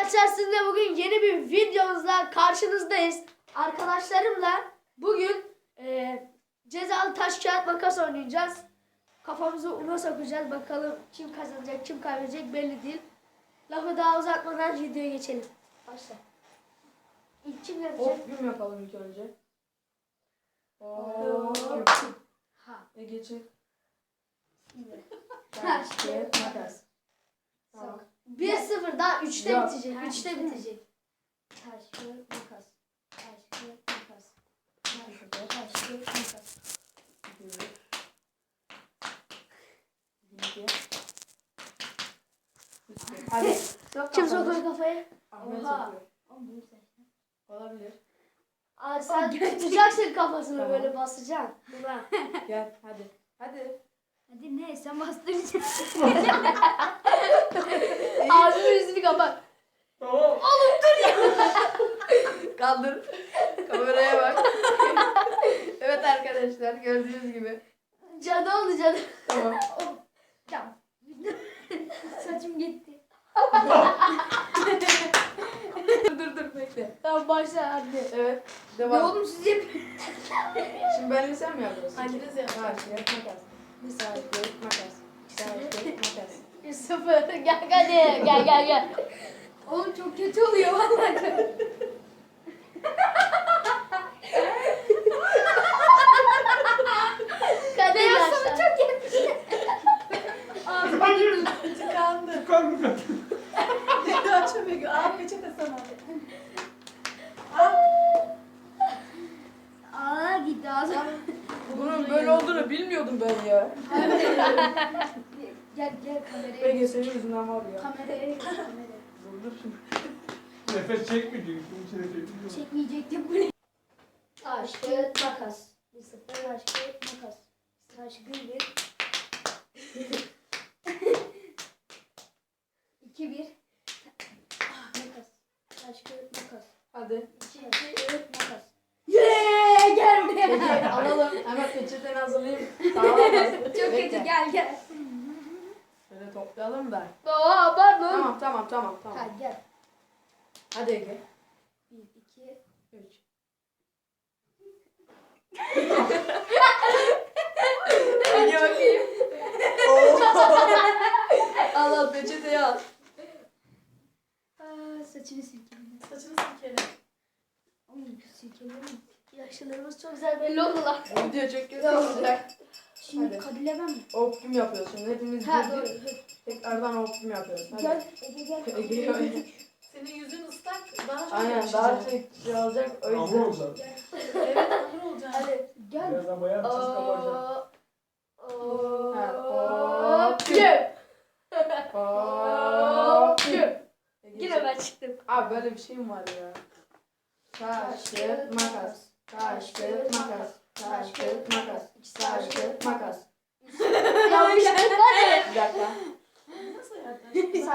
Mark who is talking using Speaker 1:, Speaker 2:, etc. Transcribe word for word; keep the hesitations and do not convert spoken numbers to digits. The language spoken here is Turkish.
Speaker 1: Arkadaşlar sizinle bugün yeni bir videomuzla karşınızdayız. Arkadaşlarımla bugün e, cezalı taş kağıt makas oynayacağız. Kafamızı una sokacağız. Bakalım kim kazanacak kim kaybedecek belli değil. Lafı daha uzatmadan videoya geçelim. Başla. İlk kim yapacak?
Speaker 2: Hop güm yapalım ilk önce. Hop.
Speaker 1: Ha.
Speaker 2: E geçin.
Speaker 1: Şimdi.
Speaker 2: Taş, kağıt, makas. Tamam.
Speaker 1: bir sıfır daha üçte
Speaker 2: Yok.
Speaker 1: bitecek. üçte bitecek.
Speaker 3: Taş, kağıt, makas. Taş, kağıt, makas.
Speaker 2: Bir,
Speaker 3: Taş, kağıt, makas.
Speaker 2: iki, iki. Üç, hadi. Sok
Speaker 1: Kim
Speaker 2: kafanı.
Speaker 1: sokuyor kafayı?
Speaker 2: Ahmet
Speaker 1: Oha.
Speaker 2: sokuyor.
Speaker 3: Oğlum bunu seç.
Speaker 2: Olabilir.
Speaker 1: Aa, sen
Speaker 3: gerçekten.
Speaker 1: tutacaksın kafasını
Speaker 2: Tamam.
Speaker 1: böyle basacaksın. Buna.
Speaker 2: Gel hadi. Hadi.
Speaker 3: Hadi ne? Sen bastıracaksın.
Speaker 1: Ağzını yüzünü kapat.
Speaker 2: Tamam. Kaldır. Kameraya bak. Evet arkadaşlar gördüğünüz gibi.
Speaker 1: Cadı oldu cadı.
Speaker 2: Tamam.
Speaker 3: Tamam. Saçım gitti.
Speaker 2: dur dur dur bekle.
Speaker 1: Tamam başla hadi.
Speaker 2: Evet.
Speaker 3: Ya
Speaker 2: Devam.
Speaker 3: oğlum siz yapın.
Speaker 2: Şimdi benle sen mi yapıyorsun?
Speaker 1: Hanginiz yapıyor?
Speaker 2: Taş, kağıt, makas. Taş, kağıt, makas. Taş, kağıt, makas.
Speaker 1: Bir sıfır. Gel hadi. Gel gel gel.
Speaker 3: Oğlum çok kötü oluyor vallahi.
Speaker 1: Kadeh
Speaker 3: Ya
Speaker 1: başla.
Speaker 3: sana çok kötü. Ağzıma girdi.
Speaker 2: Tıkandı.
Speaker 4: Tıkandı.
Speaker 2: Daha çabuk. Aa peçete sana.
Speaker 3: Aa gitti ağzıma.
Speaker 2: Bunun böyle olduğunu bilmiyordum ben ya.
Speaker 3: Gel gel kameraya.
Speaker 2: B G S'nin yüzünden var ya.
Speaker 3: Kameraya gel kameraya.
Speaker 2: Dur dur şimdi.
Speaker 4: Nefes çekmeyecek. İçine çekmiyor.
Speaker 3: Çekmeyecektim bu ne?
Speaker 1: Taş, kağıt, makas. Bir sıfır. Taş, kağıt, makas. Taş, bir bir.
Speaker 3: İki bir. Makas. Taş, kağıt, makas.
Speaker 2: Hadi.
Speaker 3: İki iki kağıt, makas.
Speaker 1: Yeee gel buraya.
Speaker 2: Peki alalım. Hemen peçeteni hazırlayayım. Tamam. Çok
Speaker 3: Çok kötü gel gel.
Speaker 2: Şöyle toplayalım da.
Speaker 1: Aa pardon.
Speaker 2: Tamam tamam tamam tamam.
Speaker 3: Ha gel.
Speaker 2: Hadi Ege.
Speaker 3: Bir iki.
Speaker 2: Üç. Ege bakayım. Al al peçeteyi al.
Speaker 3: Aa, saçını silkeledim.
Speaker 2: Saçını sikelim.
Speaker 3: Oğlum silkeledim.
Speaker 1: Yaşlılarımız çok güzel belli oldu lan.
Speaker 2: Video çok kötü olacak.
Speaker 3: Şimdi
Speaker 2: Hadi.
Speaker 3: kadilemem mi?
Speaker 2: Optim yapıyoruz şimdi. Hepimiz
Speaker 3: Ha
Speaker 2: girdik.
Speaker 3: doğru.
Speaker 2: Tekrardan optim yapıyoruz. Hadi.
Speaker 3: Gel Ege gel.
Speaker 2: Ege gel.
Speaker 5: Senin yüzün ıslak, daha çok
Speaker 2: Aynen
Speaker 5: yakışacak.
Speaker 2: daha çok şey olacak o
Speaker 4: Hamur
Speaker 2: yüzden.
Speaker 4: olacak.
Speaker 5: Evet, hamur olacak.
Speaker 1: Hadi.
Speaker 3: Gel.
Speaker 4: Birazdan bayağı çiz kabaracak.
Speaker 1: Oo.
Speaker 2: Ha,
Speaker 1: Oo.
Speaker 2: hop.
Speaker 1: Güm.
Speaker 2: Hop.
Speaker 1: Güm.
Speaker 2: Ege
Speaker 1: Yine ben çıktım.
Speaker 2: Abi böyle bir şey mi var ya? Taş, kağıt, makas. Taş, kağıt, makas. Taş, kağıt, makas. Taş, kağıt, makas.
Speaker 1: Yanlışlık var ya.
Speaker 2: Bir dakika.
Speaker 5: Nasıl yaptın?